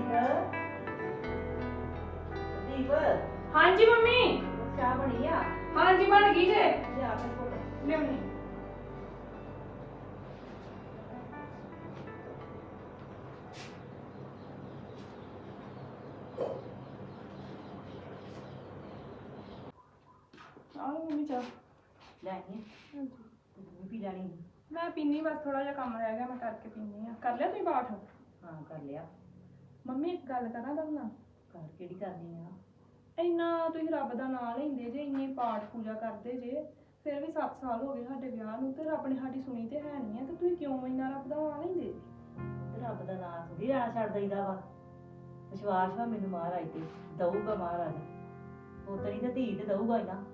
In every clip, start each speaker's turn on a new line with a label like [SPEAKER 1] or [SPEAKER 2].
[SPEAKER 1] ਦੀਪ
[SPEAKER 2] ਹਾਂਜੀ ਮੰਮੀ।
[SPEAKER 1] ਚਾਹ ਬਣੀ ਆ?
[SPEAKER 2] ਹਾਂਜੀ ਬਣ ਗਈ ਜੇ।
[SPEAKER 1] ਲਿਆ ਮੇਰੇ ਕੋਲ
[SPEAKER 2] ਲਿਆਉਣੀ। ਆਹ ਮੰਮੀ ਚਾਹ।
[SPEAKER 1] ਲੈ ਆਈ ਤੂੰ ਪੀ ਜਾਣੀ?
[SPEAKER 2] ਮੈਂ ਪੀਣੀ ਬਸ ਥੋੜਾ ਜਿਹਾ ਕੰਮ ਰਹਿ ਗਿਆ ਮੈਂ ਕਰਕੇ ਪੀਣੀ ਆ। ਕਰ ਲਿਆ ਤੁਸੀਂ ਪਾਠ?
[SPEAKER 1] ਹਾਂ ਕਰ ਲਿਆ।
[SPEAKER 2] ਮੰਮੀ ਇੱਕ ਗੱਲ ਕਰਾਂ ਤੁਹਾਡੇ ਨਾਲ?
[SPEAKER 1] ਘਰ ਕਿਹੜੀ ਕਰਨੀ ਆ?
[SPEAKER 2] ਇੰਨਾ ਤੁਸੀਂ ਰੱਬ ਦਾ ਨਾਮ ਲੈਂਦੇ ਜੇ, ਇੰਨੀ ਪਾਠ ਪੂਜਾ ਕਰਦੇ ਜੇ, ਫਿਰ ਵੀ 7 ਸਾਲ ਹੋ ਗਏ ਸਾਡੇ ਵਿਆਹ ਨੂੰ ਤੇ ਰੱਬ ਨੇ ਸਾਡੀ ਸੁਣੀ ਤੇ ਹੈ ਨਹੀਂ ਆ, ਤੇ ਤੁਸੀਂ ਕਿਉਂ ਇੰਨਾ ਰੱਬ ਦਾ ਨਾਮ ਲੈਂਦੇ ਜੇ?
[SPEAKER 1] ਤੇ ਰੱਬ ਦਾ ਨਾਮ ਥੋੜੀ ਲੈਣਾ ਛੱਡ ਦਈਦਾ ਵਾ। ਵਿਸ਼ਵਾਸ ਵਾ ਮੈਨੂੰ ਮਹਾਰਾਜ ਤੇ, ਦਊਗਾ ਮਹਾਰਾਜ। ਪੋਤਰੀ ਤੇ ਧੀ ਤੇ ਦਊਗਾ ਹੀ ਨਾ।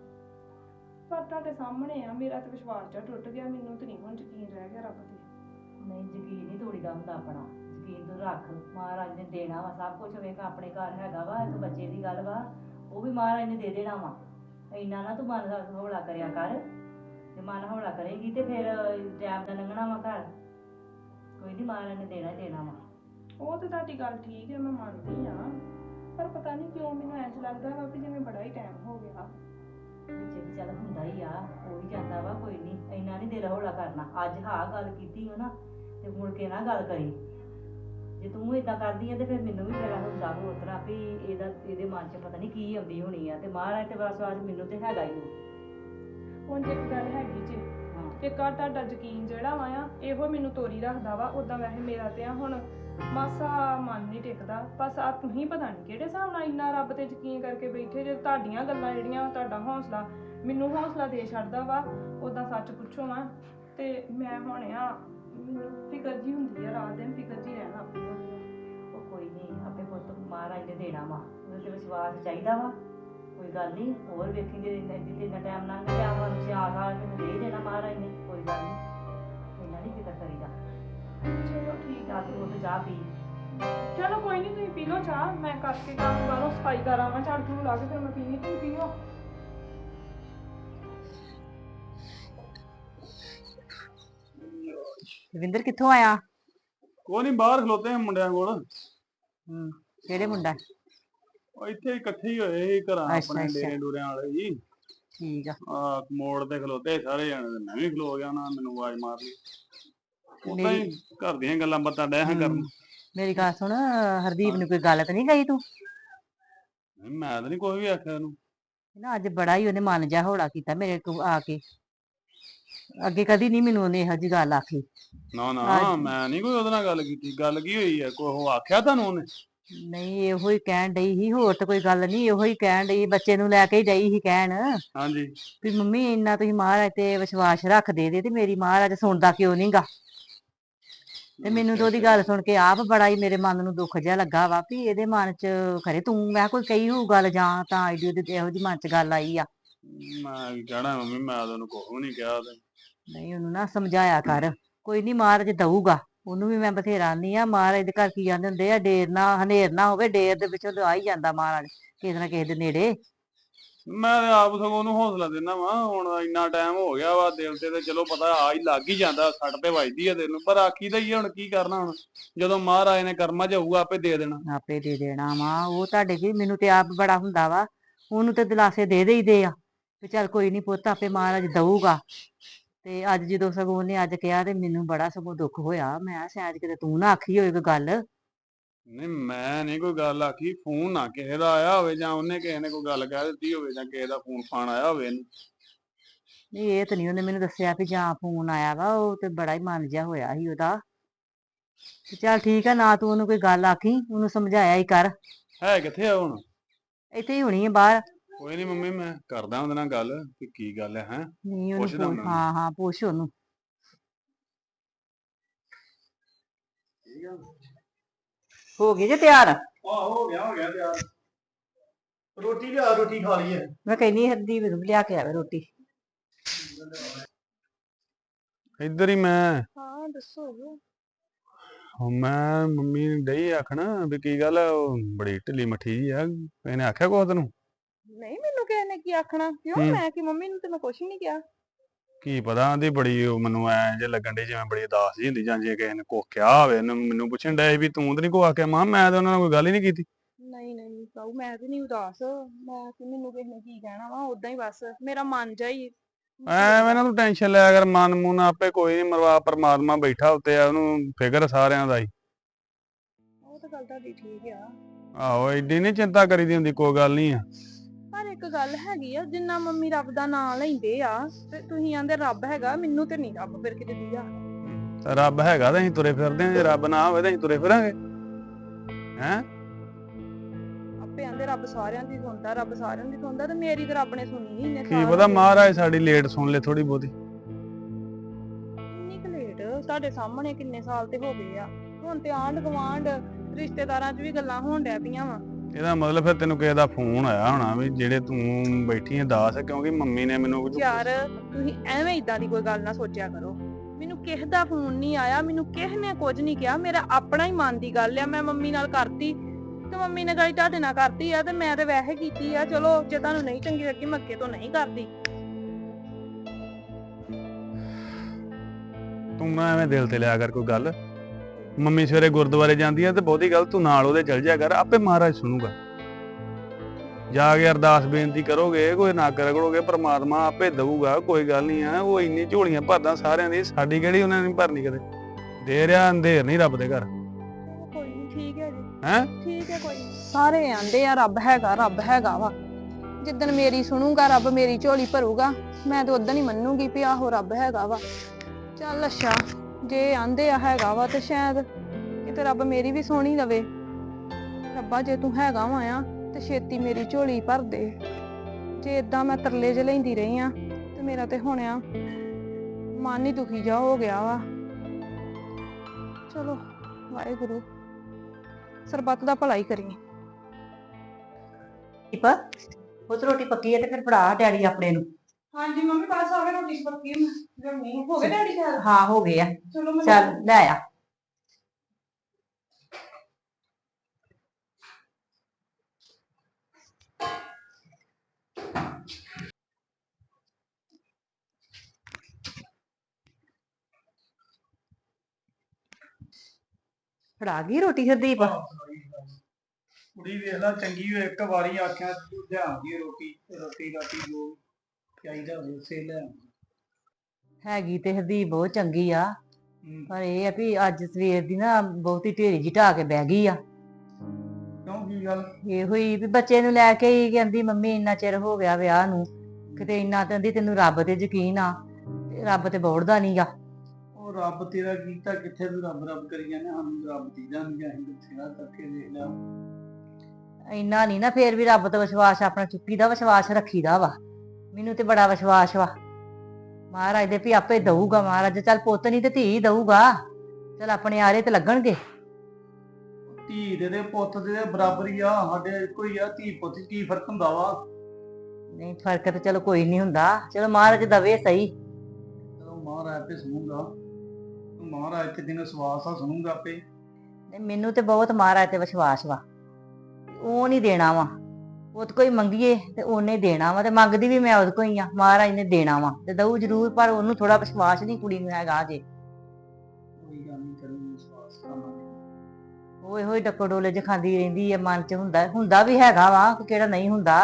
[SPEAKER 2] ਪਰ ਤੁਹਾਡੇ ਸਾਹਮਣੇ ਆ, ਮੇਰਾ ਤੇ ਵਿਸ਼ਵਾਸ ਜਿਹਾ ਟੁੱਟ ਗਿਆ, ਮੈਨੂੰ ਤੇ ਨਹੀਂ ਹੁਣ ਯਕੀਨ ਰਹਿ ਗਿਆ ਰੱਬ ਤੇ।
[SPEAKER 1] ਨਹੀਂ ਯਕੀਨ ਨਹੀਂ ਤੋੜੀਦਾ ਹੁੰਦਾ ਆਪਣਾ, ਯਕੀਨ ਤੂੰ ਰੱਖ। ਮਹਾਰਾਜ ਨੇ ਦੇਣਾ ਵਾ ਸਭ ਕੁਝ। ਵੇਖ ਆਪਣੇ ਘਰ ਹੈਗਾ ਵਾ, ਇੱਕ ਬੱਚੇ ਦੀ ਗੱਲ ਵਾ, ਉਹ ਵੀ ਮਹਾਰਾਜ ਨੇ ਦੇ ਦੇਣਾ ਵਾ। ਇੰਨਾ ਨਾ ਤੂੰ ਮਨ ਹੌਲਾ ਕਰਿਆ ਕਰ। ਜੇ ਮਨ ਹੌਲਾ ਕਰੇਗੀ ਤੇ ਫਿਰ ਟਾਈਮ ਦਾ ਲੰਘਣਾ ਵਾ ਘਰ। ਕੋਈ ਨਹੀਂ, ਮਹਾਰਾਜ ਨੇ ਦੇਣਾ ਹੀ ਦੇਣਾ ਵਾ।
[SPEAKER 2] ਉਹ ਤੇ ਤੁਹਾਡੀ ਗੱਲ ਠੀਕ ਹੈ, ਮੈਂ ਮੰਨਦੀ ਆ, ਪਰ ਪਤਾ ਨਹੀਂ ਕਿਉਂ ਮੈਨੂੰ ਇੰਝ ਲੱਗਦਾ ਵਾ ਕਿ ਜਿਵੇਂ ਬੜਾ ਹੀ ਟਾਈਮ ਹੋ ਗਿਆ।
[SPEAKER 1] ਵਿੱਚ ਤੇ ਚੱਲ ਹੁੰਦਾ ਹੀ ਆ, ਹੋ ਹੀ ਜਾਂਦਾ ਵਾ। ਕੋਈ ਨਹੀਂ, ਇੰਨਾ ਨਹੀਂ ਦਿਲ ਹੌਲਾ ਕਰਨਾ। ਅੱਜ ਹਾਂ ਗੱਲ ਕੀਤੀ ਹੋ ਨਾ ਤੇ ਮੁੜ ਕੇ ਨਾ ਗੱਲ ਕਰੀ। ਜੇ ਤੂੰ ਏਦਾਂ ਕਰਦੀ ਆ ਤੇ ਫਿਰ ਮੈਨੂੰ ਵੀ ਮੇਰਾ ਹੁੰਦਾ ਹੋਰ ਤਰ੍ਹਾਂ ਵੀ ਇਹਦੇ ਮਨ 'ਚ ਪਤਾ ਨਹੀਂ ਕੀ ਆਉਂਦੀ ਹੋਣੀ ਆ। ਤੇ ਮਹਾਰਾਜ ਤੇ ਬਸ ਅੱਜ ਮੈਨੂੰ ਤੇ ਹੈਗਾ ਹੀ ਉਹ।
[SPEAKER 2] ਹੁਣ ਜੇ ਇੱਕ ਗੱਲ ਹੈਗੀ ਜੀ, ਕਿ ਘਰ ਤੁਹਾਡਾ ਯਕੀਨ ਜਿਹੜਾ ਵਾ ਆ, ਇਹੋ ਮੈਨੂੰ ਤੋਰੀ ਰੱਖਦਾ ਵਾ। ਉਦਾਂ ਵੈਸੇ ਮੇਰਾ ਤੇ ਆ ਹੁਣ ਮਾਸਾ ਮਨ ਨਹੀਂ ਟਿਕਦਾ। ਬਸ ਆ ਤੁਸੀਂ ਪਤਾ ਨਹੀਂ ਕਿਹੜੇ ਹਿਸਾਬ ਨਾਲ ਇੰਨਾ ਰੱਬ ਤੇ ਯਕੀਨ ਕਰਕੇ ਬੈਠੇ ਜੇ। ਤੁਹਾਡੀਆਂ ਗੱਲਾਂ ਜਿਹੜੀਆਂ, ਤੁਹਾਡਾ ਹੌਸਲਾ ਮੈਨੂੰ ਹੌਸਲਾ ਦੇ ਛੱਡਦਾ ਵਾ। ਉਦਾਂ ਸੱਚ ਪੁੱਛੋ ਨਾ ਤੇ ਮੈਂ ਹੁਣ ਆ, ਮੈਨੂੰ ਫਿਕਰ ਜੀ ਹੁੰਦੀ ਆ, ਰਾਤ ਦਿਨ ਫਿਕਰ ਜੀ ਰਹਿਣਾ ਆਪਣੀ।
[SPEAKER 1] ਉਹ ਕੋਈ ਨਹੀਂ, ਆਪੇ ਪੁੱਤ ਮਹਾਰਾਜ ਨੇ ਦੇਣਾ ਵਾ। ਉਹਦੇ ਤੇ ਵਿਸ਼ਵਾਸ ਚਾਹੀਦਾ ਵਾ। ਕੋਈ ਗੱਲ ਨਹੀਂ, ਹੋਰ ਵੇਖੀ ਜੇ ਜਿੰਨਾ ਟਾਈਮ ਲੰਘ ਗਿਆ ਵਾ, 4 ਸਾਲ ਮੈਨੂੰ ਦੇ ਦੇਣਾ ਮਹਾਰਾਜ ਨੇ। ਕੋਈ ਗੱਲ ਨਹੀਂ, ਇੰਨਾ ਨਹੀਂ ਫਿਕਰ ਕਰੀਦਾ।
[SPEAKER 2] ਚਲੋ ਠੀਕ ਆ।
[SPEAKER 1] ਤੂੰ ਉੱਠ ਚਾਹ ਪੀ।
[SPEAKER 2] ਚਲੋ ਕੋਈ ਨਹੀਂ, ਤੁਸੀਂ ਪੀ ਲਓ ਚਾਹ, ਮੈਂ ਕਰਕੇ ਕੰਮ ਬਾਹਰੋਂ ਸਫਾਈ ਕਰ ਆਵਾਂ, ਝਾੜੂ ਝੂੜੂ ਲਾ ਕੇ ਫਿਰ ਮੈਂ ਪੀਣੀ। ਤੁਸੀਂ ਪੀਓ।
[SPEAKER 1] ਰਵਿੰਦਰ ਕਿੱਥੋਂ ਆਇਆ?
[SPEAKER 3] ਕੋਈ ਨਹੀਂ, ਬਾਹਰ ਖਲੋਤੇ ਆ ਮੁੰਡਿਆਂ ਕੋਲ।
[SPEAKER 1] ਕਿਹੜੇ ਮੁੰਡਾ?
[SPEAKER 3] ਉਹ ਇੱਥੇ ਇਕੱਠੇ ਹੀ ਹੋਏ ਸੀ ਘਰਾਂ
[SPEAKER 1] ਅੱਛਾ
[SPEAKER 3] ਆਪਣੇ,
[SPEAKER 1] ਅੱਛਾ,
[SPEAKER 3] ਡੇਰੇ ਡੂਰਿਆਂ ਵਾਲੇ ਜੀ।
[SPEAKER 1] ਠੀਕ ਆ।
[SPEAKER 3] ਮੋੜ ਤੇ ਖਲੋਤੇ ਸਾਰੇ ਜਾਣੇ ਤੇ ਮੈਂ ਵੀ ਖਲੋ ਗਿਆ। ਉਹਨਾਂ ਮੈਨੂੰ ਆਵਾਜ਼ ਮਾਰ ਲਈ। ਉਦਾਂ
[SPEAKER 1] ਮੇਰੀ
[SPEAKER 3] ਹੀ ਘਰ ਦੀਆਂ ਗੱਲਾਂ ਬਾਤਾਂ ਡੈ ਹਾਂ ਕਰਨ।
[SPEAKER 1] ਮੇਰੀ ਗੱਲ ਸੁਣ, ਹਰਦੀਪ ਨੂੰ ਕੋਈ ਗੱਲ ਤਾਂ ਨਹੀਂ ਕਹੀ ਤੂੰ?
[SPEAKER 3] ਮੈਂ ਤਾਂ ਨਹੀਂ ਕੋਈ ਵੀ ਆਖਿਆ ਉਹਨੂੰ।
[SPEAKER 1] ਨਾ ਅੱਜ ਬੜਾ ਹੀ ਉਹਨੇ ਮਨ ਜਾ ਹੌਲਾ ਕੀਤਾ ਮੇਰੇ ਕੋਲ ਆ ਕੇ। ਅੱਗੇ ਕਦੀ ਨਹੀਂ ਮੈਨੂੰ ਉਹਨੇ ਇਹੋ ਜਿਹੀ ਗੱਲ ਆਖੀ।
[SPEAKER 3] ਨਾ ਨਾ, ਮੈਂ ਨਹੀਂ ਕੋਈ ਉਹਦੇ ਨਾਲ ਗੱਲ ਕੀਤੀ। ਗੱਲ ਕੀ ਹੋਈ ਹੈ? ਕੋਈ ਉਹ ਆਖਿਆ ਤੁਹਾਨੂੰ ਉਹਨੇ?
[SPEAKER 1] ਨਹੀਂ, ਇਹੋ ਹੀ ਕਹਿਣ ਡਈ ਸੀ, ਹੋਰ ਤਾਂ ਕੋਈ ਗੱਲ ਨਹੀਂ। ਇਹੋ ਹੀ ਕਹਿਣ ਡਈ, ਬੱਚੇ ਨੂੰ ਲੈ ਕੇ ਹੀ ਡਈ ਸੀ ਕਹਿਣ
[SPEAKER 3] ਹਾਂਜੀ
[SPEAKER 1] ਵੀ ਮੰਮੀ ਇੰਨਾ ਤੁਸੀਂ ਮਹਾਰਾਜ ਤੇ ਵਿਸ਼ਵਾਸ ਰੱਖਦੇ ਜੇ ਤੇ ਮੇਰੀ ਮਹਾਰਾਜ ਸੁਣਦਾ ਕਿਉਂ ਨੀ ਗਾ। ਤੇ ਮੈਨੂੰ ਤਾਂ ਉਹਦੀ ਗੱਲ ਸੁਣ ਕੇ ਆਪ ਬੜਾ ਹੀ ਮੇਰੇ ਮਨ ਨੂੰ ਦੁੱਖ ਜਿਹਾ ਲੱਗਾ ਵਾ ਵੀ ਇਹਦੇ ਮਨ 'ਚ ਖਰੇ ਤੂੰ ਮੈਂ ਕੋਈ ਕਹੀ ਹੋਊ ਗੱਲ, ਜਾਂ ਤਾਂ ਇਹੋ ਜਿਹੀ ਮਨ 'ਚ ਗੱਲ ਆਈ ਆ।
[SPEAKER 3] ਮੈਂ ਕੀ ਕਹਿਣਾ ਮੰਮੀ, ਮੈਂ ਤਾਂ ਉਹਨੂੰ ਕੁਛ ਵੀ ਨਹੀਂ ਕਿਹਾ।
[SPEAKER 1] ਨਹੀਂ, ਉਹਨੂੰ ਨਾ ਸਮਝਾਇਆ ਕਰ। ਕੋਈ ਨੀ, ਮਹਾਰਾਜ ਦਊਗਾ। ਉਹਨੂੰ ਵੀ ਮੈਂ ਬਥੇਰਾ ਆਨੀ ਆ, ਮਹਾਰਾਜ ਦੇ ਘਰ ਕੀ ਕਹਿੰਦੇ ਹੁੰਦੇ ਆ, ਡੇਰ ਨਾ ਹਨੇਰ ਨਾ ਹੋਵੇ, ਡੇਰ ਦੇ ਵਿੱਚੋਂ ਆ ਹੀ ਜਾਂਦਾ ਮਹਾਰਾਜ ਕਿਸੇ ਨਾ ਕਿਸੇ ਦੇ ਨੇੜੇ।
[SPEAKER 3] ਮੈਂ ਤੇ ਆਪ ਸਗੋਂ ਉਹਨੂੰ ਹੌਸਲਾ ਦਿੰਦਾ ਵਾ। ਹੁਣ ਇੰਨਾ ਟਾਈਮ ਹੋ ਗਿਆ ਵਾ, ਦਿਲ ਤੇ ਚਲੋ ਪਤਾ ਆ ਹੀ ਲੱਗ ਹੀ ਜਾਂਦਾ, ਸੱਟ ਤੇ ਵੱਜਦੀ ਆ ਦਿਲ ਨੂੰ, ਪਰ ਆਖੀ ਦਾ ਹੀ ਹੁਣ ਕੀ ਕਰਨਾ। ਹੁਣ ਜਦੋਂ ਮਹਾਰਾਜ ਨੇ ਕਰਮਾਂ 'ਚ ਹੋਊਗਾ ਆਪੇ ਦੇ ਦੇਣਾ।
[SPEAKER 1] ਆਪੇ ਦੇ ਦੇਣਾ ਵਾ ਉਹ ਤੁਹਾਡੇ ਕੀ। ਮੈਨੂੰ ਤੇ ਆਪ ਬੜਾ ਹੁੰਦਾ ਵਾ, ਉਹਨੂੰ ਤੇ ਦਿਲਾਸੇ ਦੇ ਦੇਈਦੇ ਆ ਵੀ ਚੱਲ ਕੋਈ ਨੀ ਪੁੱਤ, ਆਪੇ ਮਹਾਰਾਜ ਦਊਗਾ। ਤੇ ਅੱਜ ਜਦੋਂ ਸਗੋਂ ਉਹਨੇ ਅੱਜ ਕਿਹਾ ਤੇ ਮੈਨੂੰ ਬੜਾ ਸਗੋਂ ਦੁੱਖ ਹੋਇਆ। ਮੈਂ ਸ਼ਾਇਦ ਕਿਤੇ ਤੂੰ ਨਾ ਆਖੀ ਹੋਏ ਕੋਈ ਗੱਲ।
[SPEAKER 3] ਨਹੀਂ, ਮੈਂ ਨਹੀਂ ਕੋਈ ਗੱਲ ਆਖੀ। ਫੋਨ ਨਾ ਕਿਸੇ ਦਾ ਆਇਆ ਹੋਵੇ, ਜਾਂ ਉਹਨੇ ਕਿਸੇ ਨੇ ਕੋਈ ਗੱਲ ਕਹਿ ਦਿੱਤੀ ਹੋਵੇ, ਜਾਂ ਕਿਸੇ ਦਾ ਫੋਨ ਫਾਨ ਆਇਆ ਹੋਵੇ ਇਹਨੂੰ।
[SPEAKER 1] ਨਹੀਂ, ਇਹ ਤਾਂ ਨਹੀਂ ਉਹਨੇ ਮੈਨੂੰ ਦੱਸਿਆ ਵੀ ਜਾਂ ਫੋਨ ਆਇਆ ਵਾ। ਉਹ ਤੇ ਬੜਾ ਹੀ ਮਨ ਜਿਹਾ ਹੋਇਆ ਸੀ ਉਹਦਾ। ਚੱਲ ਠੀਕ ਆ, ਨਾ ਤੂੰ ਉਹਨੂੰ ਕੋਈ ਗੱਲ ਆਖੀ, ਉਹਨੂੰ ਸਮਝਾਇਆ ਹੀ ਕਰ।
[SPEAKER 3] ਹੈ ਕਿੱਥੇ ਆ ਹੁਣ?
[SPEAKER 1] ਇੱਥੇ ਹੀ ਹੋਣੀ ਆ ਬਾਹਰ।
[SPEAKER 3] ਕੋਈ ਨਹੀਂ ਮੰਮੀ, ਮੈਂ ਕਰਦਾ ਉਹਦੇ ਨਾਲ ਗੱਲ ਕਿ ਕੀ ਗੱਲ ਹੈ।
[SPEAKER 1] ਨਹੀਂ, ਉਹਨੂੰ
[SPEAKER 3] ਪੁੱਛਦਾ
[SPEAKER 1] ਪੁੱਛ,
[SPEAKER 3] ਮੈਂ ਉਹਨੂੰ।
[SPEAKER 1] ਹਾਂ ਹਾਂ ਪੁੱਛ ਉਹਨੂੰ। ਹੋ ਗਈ ਜੇ ਤਿਆਰ?
[SPEAKER 3] ਆਹੋ, ਹੋ ਗਿਆ ਤਿਆਰ। ਰੋਟੀ ਲਿਆ, ਰੋਟੀ ਖਾ ਲਈ ਹੈ।
[SPEAKER 1] ਮੈਂ ਕਹਿੰਦੀ ਹਰਦੀਪ ਨੂੰ ਲਿਆ ਕੇ ਆਵੇ ਰੋਟੀ।
[SPEAKER 3] ਇੱਧਰ ਹੀ ਮੈਂ।
[SPEAKER 2] ਹਾਂ ਦੱਸੋ।
[SPEAKER 3] ਮੈਂ ਮੰਮੀ ਡਈ ਆਖਣ ਵੀ ਕੀ ਗੱਲ ਆ, ਉਹ ਬੜੀ ਢਿੱਲੀ ਮੱਠੀ ਜੀ ਆ। ਇਹਨੇ ਆਖਿਆ ਕੁਛ ਤੈਨੂੰ?
[SPEAKER 2] ਨਹੀਂ, ਮੈਨੂੰ ਕਿਸੇ ਨੇ ਕੀ ਆਖਣਾ? ਕਿਉਂ, ਮੈਂ ਕਿ ਮੰਮੀ ਨੂੰ ਤੇ ਮੈਂ ਕੁਛ ਨਹੀਂ ਕਿਹਾ।
[SPEAKER 3] ਕੀ ਪਤਾ ਉਹਦੀ ਬੜੀ ਉਹ ਮੈਨੂੰ ਐ ਜੇ ਲੱਗਣ ਡਈ ਜਿਵੇਂ ਬੜੀ ਉਦਾਸ ਜੀ ਹੁੰਦੀ ਜਾਂ ਜੇ ਕਿਸੇ ਨੇ ਕੁਛ ਕਿਹਾ ਹੋਵੇ ਮੈਨੂੰ ਪੁੱਛਣ ਡਿਆ ਸੀ ਵੀ ਤੂੰ ਤਾਂ ਨੀ ਕੋ ਆਖਿਆ। ਮੈਂ ਤਾਂ ਉਹਨਾਂ ਨਾਲ ਕੋਈ ਗੱਲ ਹੀ ਨਹੀਂ ਕੀਤੀ।
[SPEAKER 2] ਨਹੀਂ ਬਾਊ, ਮੈਂ ਤੇ ਨਹੀਂ ਉਦਾਸ। ਮੈਂ ਕਿ ਮੈਨੂੰ ਕਿਸੇ ਨੇ ਕੀ ਕਹਿਣਾ ਵਾ, ਉਦਾਂ ਹੀ ਬਸ ਮੇਰਾ ਮਨ ਜਾ ਹੀ
[SPEAKER 3] ਐਵੇਂ ਨਾ ਤੂੰ ਟੈਨਸ਼ਨ ਲਿਆ ਕਰ, ਮਨ ਮੂਨ ਆਪੇ ਕੋਈ ਨਹੀਂ, ਮਰਵਾ ਪਰਮਾਤਮਾ ਬੈਠਾ ਉੱਤੇ ਆ, ਉਹਨੂੰ ਫਿਕਰ ਸਾਰਿਆਂ ਦਾ ਹੀ।
[SPEAKER 2] ਉਹ ਤਾਂ ਗੱਲ ਤੁਹਾਡੀ ਠੀਕ ਆ,
[SPEAKER 3] ਆਹੋ ਏਡੀ ਨੀ ਚਿੰਤਾ ਕਰੀਦੀ ਹੁੰਦੀ, ਕੋਈ ਗੱਲ ਨਹੀਂ ਆ।
[SPEAKER 2] ਪਰ ਇੱਕ ਗੱਲ ਹੈਗੀ ਆ, ਜਿੰਨਾ ਮੰਮੀ ਰੱਬ ਦਾ ਨਾਂ ਲੈਂਦੇ ਆ ਤੇ ਤੁਸੀਂ ਆਂਦੇ ਰੱਬ ਹੈਗਾ, ਮੈਨੂੰ ਤੇ ਨਹੀਂ ਰੱਬ ਫਿਰ ਕਿਤੇ ਦੀਦਾ।
[SPEAKER 3] ਤਾਂ ਰੱਬ ਹੈਗਾ ਤਾਂ ਅਸੀਂ ਤੁਰੇ ਫਿਰਦੇ ਆਂ, ਜੇ ਰੱਬ ਨਾ ਹੋਵੇ ਤਾਂ ਅਸੀਂ ਤੁਰੇ ਫਿਰਾਂਗੇ ਹੈਂ।
[SPEAKER 2] ਆਪੇ ਆਂਦੇ ਰੱਬ ਸਾਰਿਆਂ ਦੀ ਸੁਣਦਾ, ਰੱਬ ਸਾਰਿਆਂ ਦੀ ਸੁਣਦਾ, ਤੇ ਮੇਰੀ ਤੇ ਰੱਬ ਨੇ ਸੁਣੀ ਨਹੀਂ। ਇਹਨੇ
[SPEAKER 3] ਕੀ ਪਤਾ ਮਹਾਰਾਜ ਸਾਡੀ ਲੇਟ ਸੁਣ ਲੈ ਥੋੜੀ ਬਹੁਤੀ।
[SPEAKER 2] ਕਿੰਨੀ ਕੁ ਲੇਟ? ਤੁਹਾਡੇ ਸਾਹਮਣੇ ਕਿੰਨੇ ਸਾਲ ਤੇ ਹੋ ਗਏ ਆ, ਹੁਣ ਤੇ ਆਂਢ ਗੁਆਂਢ ਰਿਸ਼ਤੇਦਾਰਾਂ 'ਚ ਵੀ ਗੱਲਾਂ ਹੋਣ ਡੈ ਪਈਆਂ ਵਾ।
[SPEAKER 3] ਇਹਦਾ ਮਤਲਬ ਫਿਰ ਤੈਨੂੰ ਕਿਸੇ ਦਾ ਫੋਨ ਆਇਆ ਹੋਣਾ ਵੀ ਜਿਹੜੇ ਤੂੰ ਬੈਠੀ ਆਂ ਦਾਸ, ਕਿਉਂਕਿ ਮੰਮੀ ਨੇ ਮੈਨੂੰ
[SPEAKER 2] ਯਾਰ ਤੁਸੀਂ ਐਵੇਂ ਇਦਾਂ ਦੀ ਕੋਈ ਗੱਲ ਨਾ ਸੋਚਿਆ ਕਰੋ। ਮੈਨੂੰ ਕਿਸੇ ਦਾ ਫੋਨ ਨਹੀਂ ਆਇਆ, ਮੈਨੂੰ ਕਿਸੇ ਨੇ ਕੁਝ ਨਹੀਂ ਕਿਹਾ, ਮੇਰਾ ਆਪਣਾ ਹੀ ਮਨ ਦੀ ਗੱਲ ਆ। ਮੈਂ ਮੰਮੀ ਨਾਲ ਕਰਤੀ ਤੇ ਮੰਮੀ ਨੇ ਗੱਲ ਤੁਹਾਡੇ ਨਾਲ ਕਰਤੀ ਆ, ਤੇ ਮੈਂ ਤੇ ਵੈਸੇ ਕੀਤੀ ਆ। ਚਲੋ ਜੇ ਤੁਹਾਨੂੰ ਨਹੀਂ ਚੰਗੀ ਲੱਗੀ, ਮੈਂ ਅੱਗੇ ਤੋਂ ਨਹੀਂ ਕਰਦੀ।
[SPEAKER 3] ਤੂੰ ਨਾ ਐਵੇਂ ਦਿਲ ਤੇ ਲਿਆ ਕਰ ਕੋਈ ਗੱਲ। ਮੰਮੀ ਸਵੇਰੇ ਗੁਰਦੁਆਰੇ ਜਾਂਦੀ ਆ ਤੇ ਬਹੁਤੀ ਗੱਲ ਤੂੰ ਨਾਲ ਉਹਦੇ ਚਲ ਜਾਇਆ ਕਰ, ਆਪੇ ਮਹਾਰਾਜ ਸੁਣੂਗਾ। ਜਾ ਕੇ ਅਰਦਾਸ ਬੇਨਤੀ ਕਰੋਗੇ, ਕੋਈ ਨਾ ਕਰੋਗੇ, ਪ੍ਰਮਾਤਮਾ ਆਪੇ ਦਊਗਾ, ਕੋਈ ਗੱਲ ਨਹੀਂ ਆ। ਉਹ ਇੰਨੀ ਝੋਲੀਆਂ ਭਰਦਾ ਸਾਰਿਆਂ ਦੀ, ਸਾਡੀ ਕਿਹੜੀ ਉਹਨਾਂ ਨੇ ਭਰਨੀ ਕਦੇ। ਦੇ ਰਿਹਾ ਅੰਧੇਰ ਨਹੀਂ ਰੱਬ ਦੇ ਘਰ।
[SPEAKER 2] ਕੋਈ ਨਹੀਂ, ਠੀਕ ਹੈ ਜੀ,
[SPEAKER 3] ਹੈਂ
[SPEAKER 2] ਠੀਕ ਹੈ, ਕੋਈ ਨੀ। ਸਾਰੇ ਆਂਦੇ ਆ ਰੱਬ ਹੈਗਾ ਵਾ। ਜਿੱਦਣ ਮੇਰੀ ਸੁਣੂਗਾ ਰੱਬ, ਮੇਰੀ ਝੋਲੀ ਭਰੂਗਾ, ਮੈਂ ਤਾਂ ਉਦੋਂ ਹੀ ਮੰਨੂਗੀ ਵੀ ਆਹੋ ਰੱਬ ਹੈਗਾ ਵਾ। ਚੱਲ ਅੱਛਾ, ਜੇ ਆਂਦੇ ਆ ਹੈਗਾ ਵਾ ਤੇ ਸ਼ਾਇਦ ਕਿਤੇ ਰੱਬ ਮੇਰੀ ਵੀ ਸੁਣ ਹੀ ਲਵੇ। ਰੱਬਾ ਜੇ ਤੂੰ ਹੈਗਾ ਵਾ ਆ ਤੇ ਛੇਤੀ ਮੇਰੀ ਝੋਲੀ ਭਰ ਦੇ। ਜੇ ਇਦਾਂ ਮੈਂ ਤਰਲੇ ਜਿਹੇ ਲੈਂਦੀ ਰਹੀ ਆ ਤੇ ਮੇਰਾ ਤੇ ਹੁਣ ਆ ਮਨ ਹੀ ਦੁਖੀ ਜਾ ਹੋ ਗਿਆ ਵਾ। ਚਲੋ ਵਾਹਿਗੁਰੂ ਸਰਬੱਤ ਦਾ ਭਲਾ ਹੀ ਕਰੀ।
[SPEAKER 1] ਉਹ ਰੋਟੀ ਪੱਕੀ ਹੈ ਤੇ ਫਿਰ ਫੜਾ ਡੈਡੀ ਆਪਣੇ ਨੂੰ।
[SPEAKER 2] ਹਾਂਜੀ ਮੰਮੀ, ਬਸ ਆ ਗਏ, ਰੋਟੀ ਪੱਕੀ ਹੋ ਗਏ ਡੈਡੀ ਘਰ?
[SPEAKER 1] ਹਾਂ ਹੋ ਗਏ ਆ,
[SPEAKER 2] ਚਲੋ
[SPEAKER 1] ਚੱਲ ਲੈ ਆ। ਫੜਾ ਗਈ ਰੋਟੀ ਹਰਦੀਪ?
[SPEAKER 3] ਕੁੜੀ ਵੇਖ ਲਾ ਚੰਗੀ ਹੋਏ, ਇੱਕ ਵਾਰੀ ਆਖਿਆ ਲਿਆਂਦੀ ਰੋਟੀ ਰਾਟੀ ਜੋ ਚਾਹੀਦਾ ਹੋਵੇ ਉਸੇ ਲੈ।
[SPEAKER 1] ਹੈਗੀ ਤੇ ਹਰਦੀਪ ਬਹੁਤ ਚੰਗੀ ਆ, ਪਰ ਇਹ ਆ ਵੀ ਅੱਜ ਸਵੇਰ ਦੀ ਨਾ ਬਹੁਤੀ ਢੇਰੀ ਜੀ ਢਾ ਕੇ ਬਹਿ ਗਈ ਆ।
[SPEAKER 3] ਕਿਉਂ ਕੀ ਗੱਲ?
[SPEAKER 1] ਇਹੋ ਹੀ ਵੀ ਬੱਚੇ ਨੂੰ ਲੈ ਕੇ ਹੀ ਕਹਿੰਦੀ ਮੰਮੀ ਇੰਨਾ ਚਿਰ ਹੋ ਗਿਆ ਵਿਆਹ ਨੂੰ, ਕਿਤੇ ਇੰਨਾ ਕਹਿੰਦੀ ਤੈਨੂੰ ਰੱਬ ਤੇ ਯਕੀਨ ਆ, ਤੇ ਰੱਬ ਤੇ ਬੋੜਦਾ ਨੀ ਗਾ।
[SPEAKER 3] ਉਹ ਰੱਬ ਤੇਰਾ ਕੀਤਾ ਕਿੱਥੇ, ਤੂੰ ਰੱਬ ਕਰੀ ਜਾਂਦੇ, ਸਾਨੂੰ ਰੱਬ ਦੀਦਾ ਨੀ, ਅਸੀਂ ਬਥੇਰਾ ਕਰਕੇ ਵੇਖ ਲਿਆ।
[SPEAKER 1] ਇੰਨਾ ਨੀ ਨਾ, ਫੇਰ ਵੀ ਰੱਬ ਤੋਂ ਵਿਸ਼ਵਾਸ ਆਪਣਾ ਚੁੱਕੀ ਦਾ, ਵਿਸ਼ਵਾਸ ਰੱਖੀਦਾ ਵਾ। ਮੈਨੂੰ ਤੇ ਬੜਾ ਵਿਸ਼ਵਾਸ ਵਾ ਮਹਾਰਾਜ ਦੇ ਵੀ ਆਪੇ ਦਊਗਾ। ਮਹਾਰਾਜ ਚੱਲ ਪੁੱਤ ਨੀ ਤੇ ਧੀ ਦਊਗਾ, ਚੱਲ ਆਪਣੇ ਆਰੇ ਤੇ ਲੱਗਣਗੇ।
[SPEAKER 3] ਧੀ ਦੇ ਪੁੱਤ ਦੇ ਬਰਾਬਰ ਹੀ ਆ, ਸਾਡੇ ਇੱਕੋ ਹੀ ਆ। ਧੀ ਪੁੱਤ ਕੀ ਫਰਕ ਹੁੰਦਾ ਵਾ?
[SPEAKER 1] ਨਹੀਂ ਫਰਕ ਤੇ ਚਲੋ ਕੋਈ ਨਹੀਂ ਹੁੰਦਾ, ਚਲੋ ਮਹਾਰਾਜ ਦਵੇ ਸਹੀ।
[SPEAKER 3] ਚਲੋ ਮਹਾਰਾਜ ਆਪੇ ਸੁਣੂਗਾ, ਮਹਾਰਾਜ ਤੇ ਦਿਨ ਸਵਾਸ ਆ, ਸੁਣੂਗਾ ਆਪੇ।
[SPEAKER 1] ਮੈਨੂੰ ਤੇ ਬਹੁਤ ਮਹਾਰਾਜ ਤੇ ਵਿਸ਼ਵਾਸ ਵਾ, ਉਹ ਨੀ ਦੇਣਾ ਵਾ। ਉਹਦੇ ਕੋਈ ਮੰਗੀਏ ਤੇ ਉਹਨੇ ਦੇਣਾ ਵਾ, ਤੇ ਮੰਗਦੀ ਵੀ ਮੈਂ ਉਹਦੇ ਕੋਲ ਹੀ ਆ। ਮਹਾਰਾਜ ਨੇ ਦੇਣਾ ਵਾ ਤੇ ਦਊ ਜ਼ਰੂਰ, ਪਰ ਉਹਨੂੰ ਥੋੜਾ ਵਿਸ਼ਵਾਸ ਨਹੀਂ ਕੁੜੀ ਨੂੰ ਹੈਗਾ ਜੇ।
[SPEAKER 3] ਕੋਈ ਗੱਲ ਨਹੀਂ, ਕਰੂੰਗੀ ਵਿਸ਼ਵਾਸ ਕਰਾਂਗੇ।
[SPEAKER 1] ਉਹ ਇਹੋ ਹੀ ਡੱਕੋ ਡੋਲੇ ਚ ਖਾਂਦੀ ਰਹਿੰਦੀ ਹੈ, ਮਨ ਚ ਹੁੰਦਾ ਵੀ ਹੈਗਾ ਵਾ, ਕਿਹੜਾ ਨਹੀਂ ਹੁੰਦਾ।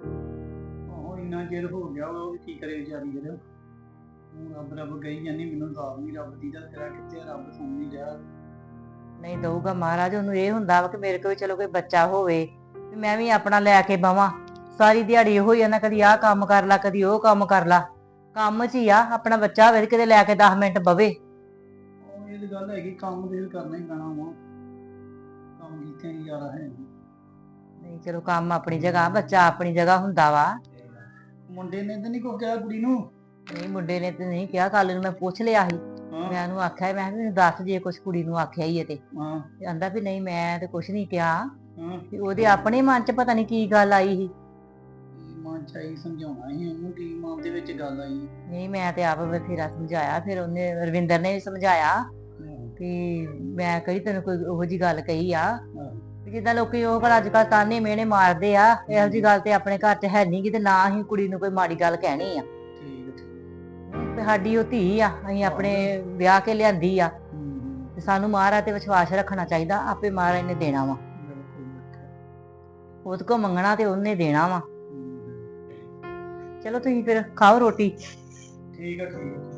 [SPEAKER 3] ਆਹੋ ਇੰਨਾ ਚਿਰ ਹੋ ਗਿਆ, ਉਹ ਵੀ ਕੀ ਕਰੇ ਵਿਚਾਰੀ। ਫਿਰ ਹੁਣ ਰੱਬ ਗਈ ਜਾਂਦੀ, ਮੈਨੂੰ ਤਾਂ ਨਹੀਂ ਰੱਬ ਦੀ ਦਾ ਤੇਰਾ ਕਿੱਥੇ, ਰੱਬ ਸੁਣ ਨਹੀਂ ਰਿਹਾ।
[SPEAKER 1] ਨਹੀਂ ਦਊਗਾ ਮਹਾਰਾਜ। ਉਹਨੂੰ ਇਹ ਹੁੰਦਾ ਵਾ ਕਿ ਮੇਰੇ ਕੋਲ ਚਲੋ ਕੋਈ ਬੱਚਾ ਹੋਵੇ, ਮੈਂ ਵੀ ਆਪਣਾ ਲੈ ਕੇ ਬਵਾਂ। ਸਾਰੀ ਦਿਹਾੜੀ ਇਹੋ ਹੀ ਆ ਨਾ, ਕਦੀ ਆਹ ਕੰਮ ਕਰ ਲਾ, ਕਦੀ ਉਹ ਕੰਮ ਕਰ ਲਾ, ਕੰਮ 'ਚ ਹੀ ਆ। ਆਪਣਾ ਬੱਚਾ ਹੋਵੇ ਕਿਤੇ ਲੈ ਕੇ 10 ਮਿੰਟ ਬਵੇ।
[SPEAKER 3] ਇਹ ਤਾਂ ਗੱਲ ਹੈਗੀ, ਕੰਮ ਤੇ ਕਰਨਾ ਹੀ ਪੈਣਾ ਵਾ, ਕੰਮ ਕੀਤੇ ਹੀ ਜ਼ਿਆਦਾ ਹੈ।
[SPEAKER 1] ਨਹੀਂ ਚਲੋ ਕੰਮ ਆਪਣੀ ਜਗ੍ਹਾ, ਬੱਚਾ ਆਪਣੀ ਜਗ੍ਹਾ ਹੁੰਦਾ ਵਾ।
[SPEAKER 3] ਮੁੰਡੇ ਨੇ ਤਾਂ ਨਹੀਂ ਕੋਈ ਕਿਹਾ ਕੁੜੀ ਨੂੰ?
[SPEAKER 1] ਨਹੀਂ ਮੁੰਡੇ ਨੇ ਤੇ ਨਹੀਂ ਕਿਹਾ, ਕੱਲ ਨੂੰ ਮੈਂ ਪੁੱਛ ਲਿਆ ਸੀ। ਮੈਂ ਉਹਨੂੰ ਆਖਿਆ, ਮੈਂ ਕਿਹਾ ਮੈਨੂੰ ਦੱਸ ਜੇ ਕੁਛ ਕੁੜੀ ਨੂੰ ਆਖਿਆ ਹੀ ਤੇ ਕਹਿੰਦਾ ਵੀ ਨਹੀਂ ਮੈਂ ਤੇ ਕੁਛ ਨਹੀਂ ਕਿਹਾ। ਉਹਦੇ ਆਪਣੇ ਮਨ 'ਚ ਪਤਾ ਨਹੀਂ ਕੀ ਗੱਲ ਆਈ ਸੀ।
[SPEAKER 3] ਮਨ 'ਚ ਆਈ, ਸਮਝਾਉਣਾ ਸੀ ਉਹਨੂੰ, ਕੀ ਮਨ ਦੇ ਵਿੱਚ ਗੱਲ ਆਈ?
[SPEAKER 1] ਨਹੀਂ ਮੈਂ ਤੇ ਆਪ ਬਥੇਰਾ ਸਮਝਾਇਆ, ਫਿਰ ਉਹਨੇ ਰਵਿੰਦਰ ਨੇ ਵੀ ਸਮਝਾਇਆ ਵੀ ਮੈਂ ਕਹੀ ਤੈਨੂੰ ਕੋਈ ਉਹੋ ਜੀ ਗੱਲ ਕਹੀ ਆ ਜਿੱਦਾਂ ਲੋਕੀ ਉਹ ਅੱਜ ਕੱਲ ਤਾਨੇ ਮਿਹਣੇ ਮਾਰਦੇ ਆ, ਇਹੋ ਜੀ ਗੱਲ ਤੇ ਆਪਣੇ ਘਰ 'ਚ ਹੈ ਨੀ ਗੀ, ਤੇ ਨਾ ਹੀ ਕੁੜੀ ਨੂੰ ਕੋਈ ਮਾੜੀ ਗੱਲ ਕਹਿਣੀ ਆ। ਇੱਕ ਸਾਡੀ ਉਹ ਧੀ ਆ, ਅਸੀਂ ਆਪਣੇ ਵਿਆਹ ਕੇ ਲਿਆਂਦੀ ਆ, ਤੇ ਸਾਨੂੰ ਮਹਾਰਾਜ ਤੇ ਵਿਸ਼ਵਾਸ ਰੱਖਣਾ ਚਾਹੀਦਾ, ਆਪੇ ਮਹਾਰਾਜ ਨੇ ਦੇਣਾ ਵਾ। ਉਹਦੇ ਕੋ ਮੰਗਣਾ ਤੇ ਉਹਨੇ ਦੇਣਾ ਵਾ। ਚਲੋ ਤੁਸੀਂ ਫਿਰ ਖਾਓ ਰੋਟੀ।
[SPEAKER 3] ਠੀਕ ਆ ਠੀਕ ਆ।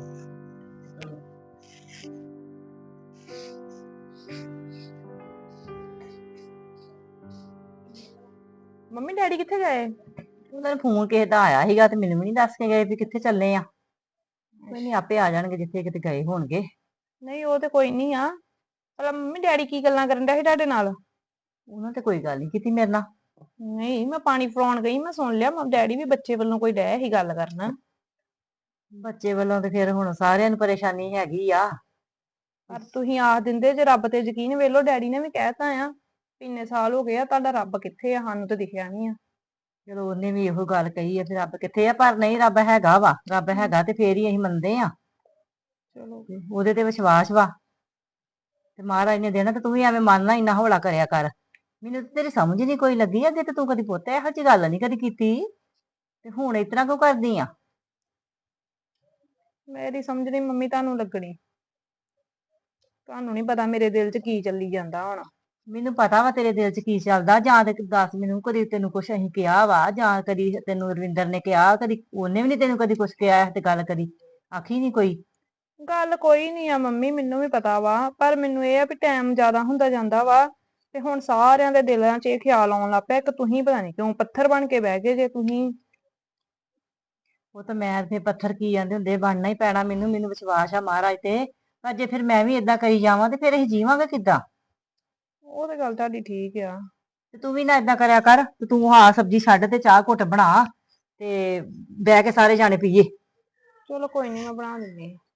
[SPEAKER 2] ਮੰਮੀ ਡੈਡੀ ਕਿੱਥੇ ਗਏ?
[SPEAKER 1] ਉਹਨਾਂ ਨੇ ਫੋਨ ਕਿਸੇ ਦਾ ਆਇਆ ਸੀਗਾ ਤੇ ਮੈਨੂੰ ਵੀ ਨਹੀਂ ਦੱਸ ਕੇ ਗਏ ਵੀ ਕਿੱਥੇ ਚੱਲੇ ਆ। ਕੋਈ ਨਹੀਂ, ਆਪੇ ਆ ਜਾਣਗੇ ਜਿੱਥੇ ਕਿਤੇ ਗਏ ਹੋਣਗੇ।
[SPEAKER 2] ਨਹੀਂ ਉਹ ਤੇ ਕੋਈ ਨਹੀਂ ਆ, ਪਰ ਮੰਮੀ ਡੈਡੀ ਕੀ ਗੱਲਾਂ ਕਰਨ ਡਿਆ ਸੀ ਤੁਹਾਡੇ ਨਾਲ?
[SPEAKER 1] ਉਹਨਾਂ ਤੇ ਕੋਈ ਗੱਲ ਨਹੀਂ ਕੀਤੀ ਮੇਰੇ ਨਾਲ।
[SPEAKER 2] ਨਹੀਂ, ਮੈਂ ਪਾਣੀ ਫੜਾਉਣ ਗਈ, ਮੈਂ ਸੁਣ ਲਿਆ ਡੈਡੀ ਵੀ ਬੱਚੇ ਵੱਲੋਂ ਕੋਈ ਡੈ ਹੀ ਗੱਲ ਕਰਨਾ।
[SPEAKER 1] ਬੱਚੇ ਵੱਲੋਂ ਤੇ ਫਿਰ ਹੁਣ ਸਾਰਿਆਂ ਨੂੰ ਪਰੇਸ਼ਾਨੀ ਹੈਗੀ ਆ।
[SPEAKER 2] ਪਰ ਤੁਸੀਂ ਆਖ ਦਿੰਦੇ ਜੇ ਰੱਬ ਤੇ ਯਕੀਨ, ਵੇਲੋ ਡੈਡੀ ਨੇ ਵੀ ਕਹਿਤਾ ਆ ਇੰਨੇ ਸਾਲ ਹੋ ਗਏ ਆ, ਤੁਹਾਡਾ ਰੱਬ ਕਿੱਥੇ ਆ, ਸਾਨੂੰ ਤੇ ਦਿਖਿਆ ਨਹੀਂ ਆ।
[SPEAKER 1] ਚਲੋ ਉਹਨੇ ਵੀ ਇਹੋ ਗੱਲ ਕਹੀ ਆ ਫਿਰ ਰੱਬ ਕਿੱਥੇ ਆ, ਪਰ ਨਹੀਂ ਰੱਬ ਹੈਗਾ ਵਾ, ਰੱਬ ਹੈਗਾ ਤੇ ਫੇਰ ਹੀ ਅਸੀਂ ਮੰਨਦੇ ਆ।
[SPEAKER 2] ਚਲੋ
[SPEAKER 1] ਉਹਦੇ ਤੇ ਵਿਸ਼ਵਾਸ ਵਾ ਤੇ ਮਹਾਰਾਜ ਨੇ ਦੇਣਾ, ਤੇ ਤੂੰ ਵੀ ਐਵੇਂ ਮੰਨਣਾ ਇੰਨਾ ਹੌਲਾ ਕਰਿਆ ਕਰ। ਮੈਨੂੰ ਤੇ ਤੇਰੀ ਸਮਝ ਨਹੀਂ ਕੋਈ ਲੱਗੀ, ਅੱਗੇ ਤੇ ਤੂੰ ਕਦੀ ਪੁੱਤ ਇਹੋ ਜਿਹੀ ਗੱਲ ਨਹੀਂ ਕਦੀ ਕੀਤੀ, ਤੇ ਹੁਣ ਇਸ ਤਰ੍ਹਾਂ ਕਿਉਂ ਕਰਦੀ ਆ?
[SPEAKER 2] ਮੇਰੀ ਸਮਝ ਨਹੀਂ ਮੰਮੀ ਤੁਹਾਨੂੰ ਲੱਗਣੀ, ਤੁਹਾਨੂੰ ਨਹੀਂ ਪਤਾ ਮੇਰੇ ਦਿਲ 'ਚ ਕੀ ਚੱਲੀ ਜਾਂਦਾ ਹੁਣ।
[SPEAKER 1] ਮੈਨੂੰ ਪਤਾ ਵਾ ਤੇਰੇ ਦਿਲ 'ਚ ਕੀ ਚੱਲਦਾ, ਜਾਂ ਤੇ ਦੱਸ ਮੈਨੂੰ, ਕਦੀ ਤੈਨੂੰ ਕੁਛ ਅਸੀਂ ਕਿਹਾ ਵਾ, ਜਾਂ ਕਦੀ ਤੈਨੂੰ ਰਵਿੰਦਰ ਨੇ ਕਿਹਾ, ਕਦੀ ਉਹਨੇ ਵੀ ਨੀ ਤੈਨੂੰ ਕਦੀ ਕੁਛ ਕਿਹਾ ਤੇ ਗੱਲ ਕਦੀ ਆਖੀ ਨੀ ਕੋਈ।
[SPEAKER 2] ਗੱਲ ਕੋਈ ਨਹੀਂ ਆ ਮੰਮੀ, ਮੈਨੂੰ ਵੀ ਪਤਾ ਵਾ, ਪਰ ਮੈਨੂੰ ਇਹ ਆ ਵੀ ਟਾਈਮ ਜ਼ਿਆਦਾ ਹੁੰਦਾ ਜਾਂਦਾ ਵਾ, ਤੇ ਹੁਣ ਸਾਰਿਆਂ ਦੇ ਦਿਲਾਂ 'ਚ ਇਹ ਖਿਆਲ ਆਉਣ ਲੱਗ ਪਿਆ, ਇੱਕ ਤੁਸੀਂ ਪਤਾ ਨਹੀਂ ਕਿਉਂ ਪੱਥਰ ਬਣ ਕੇ ਬਹਿ ਗਏ ਜੇ ਤੁਸੀਂ।
[SPEAKER 1] ਉਹ ਤਾਂ ਮੈਂ ਤੇ ਪੱਥਰ ਕੀ ਜਾਂਦੇ ਹੁੰਦੇ, ਬਣਨਾ ਹੀ ਪੈਣਾ ਮੈਨੂੰ, ਮੈਨੂੰ ਵਿਸ਼ਵਾਸ ਆ ਮਹਾਰਾਜ ਤੇ। ਪਰ ਜੇ ਫਿਰ ਮੈਂ ਵੀ ਏਦਾਂ ਕਰੀ ਜਾਵਾਂ ਤੇ ਫਿਰ ਅਸੀਂ ਜੀਵਾਂਗੇ ਕਿੱਦਾਂ?
[SPEAKER 2] ਉਹ ਤੇ ਗੱਲ ਤੁਹਾਡੀ ਠੀਕ ਆ।
[SPEAKER 1] ਤੇ ਤੂੰ ਵੀ ਨਾ ਏਦਾਂ ਕਰਿਆ ਕਰ, ਤੇ ਤੂੰ ਹਾਂ ਸਬਜ਼ੀ ਛੱਡ ਤੇ ਚਾਹ ਘੁੱਟ ਬਣਾ, ਤੇ ਬਹਿ ਕੇ ਸਾਰੇ ਜਾਣੇ ਪੀਏ।
[SPEAKER 2] ਚਲੋ ਕੋਈ ਨਹੀਂ, ਮੈਂ ਬਣਾ ਦਿੰਦੀ ਹਾਂ।